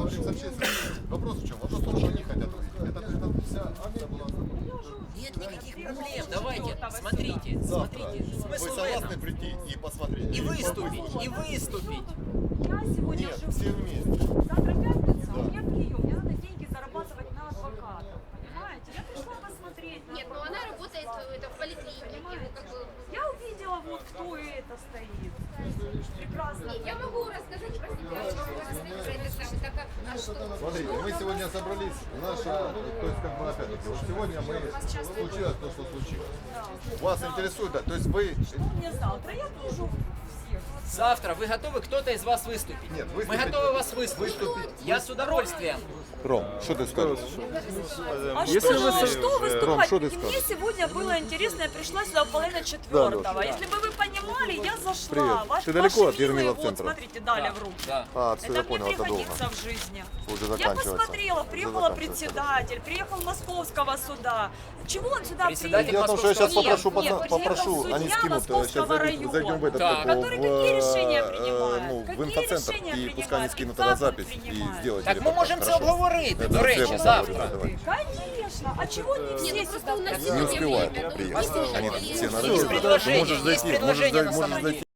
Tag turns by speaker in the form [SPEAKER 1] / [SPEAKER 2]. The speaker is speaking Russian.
[SPEAKER 1] Вопрос в чем? Вопрос в том, что они хотят увидеть. Это вся акция была.
[SPEAKER 2] Нет никаких проблем. Давайте, смотрите.
[SPEAKER 1] Вы
[SPEAKER 2] Смысл в
[SPEAKER 1] согласны
[SPEAKER 2] этом.
[SPEAKER 1] прийти и посмотреть?
[SPEAKER 2] И выступить.
[SPEAKER 3] Я сегодня
[SPEAKER 1] Нет,
[SPEAKER 3] живу.
[SPEAKER 1] все вместе.
[SPEAKER 3] Завтра пятница, у меня прием. Мне надо деньги зарабатывать на адвоката. Понимаете? Я пришла посмотреть.
[SPEAKER 4] Нет, но она работает в поликлинике. Ну, как бы...
[SPEAKER 3] Я увидела, вот кто это стоит. Прекрасно.
[SPEAKER 4] Нет, я могу рассказать про себя. Я могу рассказать про это самое. Так, а что?
[SPEAKER 1] Смотрите, мы сегодня собрались, то есть как бы опять-таки, вот сегодня случилось то, что случилось. Вас интересует, да, то есть вы...
[SPEAKER 3] Что мне завтра? Я вижу всех.
[SPEAKER 2] Завтра вы готовы, кто-то из вас выступить?
[SPEAKER 1] Нет,
[SPEAKER 2] Мы
[SPEAKER 1] выступить.
[SPEAKER 2] готовы вас выслушать. Я с удовольствием.
[SPEAKER 1] Ром, что ты скажешь?
[SPEAKER 3] А
[SPEAKER 5] Если вы
[SPEAKER 3] что выступать?
[SPEAKER 1] Ром, что ты
[SPEAKER 3] И мне сегодня было интересно, я пришла сюда в половине четвертого. Если бы вы понимали, я зашла.
[SPEAKER 1] Привет. Ты далеко от
[SPEAKER 3] милые,
[SPEAKER 1] Ермилов
[SPEAKER 3] вот,
[SPEAKER 1] центра?
[SPEAKER 3] смотрите, дали в руки.
[SPEAKER 2] Да.
[SPEAKER 1] А, все,
[SPEAKER 3] Это
[SPEAKER 1] я
[SPEAKER 3] мне
[SPEAKER 1] понял, это долго.
[SPEAKER 3] пригодится в жизни.
[SPEAKER 1] Уже
[SPEAKER 3] Я
[SPEAKER 1] заканчивается.
[SPEAKER 3] посмотрела, приехала
[SPEAKER 1] Уже заканчивается.
[SPEAKER 3] председатель, приехал Московского суда. Чего он сюда
[SPEAKER 2] Председатель
[SPEAKER 1] Дело в
[SPEAKER 3] приехал?
[SPEAKER 1] том, что я сейчас
[SPEAKER 2] Московского
[SPEAKER 3] Нет,
[SPEAKER 1] попрошу,
[SPEAKER 3] приехал
[SPEAKER 1] они
[SPEAKER 3] судья
[SPEAKER 1] скинут, сейчас
[SPEAKER 3] Московского
[SPEAKER 1] зайдем в этот,
[SPEAKER 2] Так.
[SPEAKER 3] Который какие решения принимает?
[SPEAKER 1] ну, в
[SPEAKER 3] Какие
[SPEAKER 1] инфоцентр,
[SPEAKER 3] решения
[SPEAKER 1] и пускай они
[SPEAKER 3] принимает?
[SPEAKER 1] скинут
[SPEAKER 3] И
[SPEAKER 1] тогда
[SPEAKER 3] как он
[SPEAKER 1] запись и
[SPEAKER 3] принимает?
[SPEAKER 1] сделать
[SPEAKER 2] Так ми
[SPEAKER 1] репортаж,
[SPEAKER 2] можемо це
[SPEAKER 1] хорошо?
[SPEAKER 2] обговорити,
[SPEAKER 1] Это
[SPEAKER 2] до
[SPEAKER 1] все
[SPEAKER 2] речі,
[SPEAKER 1] обговорим,
[SPEAKER 2] завтра.
[SPEAKER 1] давай.
[SPEAKER 3] Конечно. А чего не все
[SPEAKER 4] Нет, ну просто
[SPEAKER 3] сюда
[SPEAKER 4] у нас
[SPEAKER 1] Не
[SPEAKER 4] сегодня
[SPEAKER 1] успевают
[SPEAKER 4] время, ну,
[SPEAKER 1] приехать.
[SPEAKER 4] послушайте,
[SPEAKER 1] Они
[SPEAKER 4] я-
[SPEAKER 1] все на
[SPEAKER 2] Есть
[SPEAKER 1] рынке.
[SPEAKER 2] предложение,
[SPEAKER 1] Можешь
[SPEAKER 2] есть
[SPEAKER 1] зайти,
[SPEAKER 2] предложение на
[SPEAKER 1] можешь
[SPEAKER 2] самом
[SPEAKER 1] зайти.
[SPEAKER 2] деле.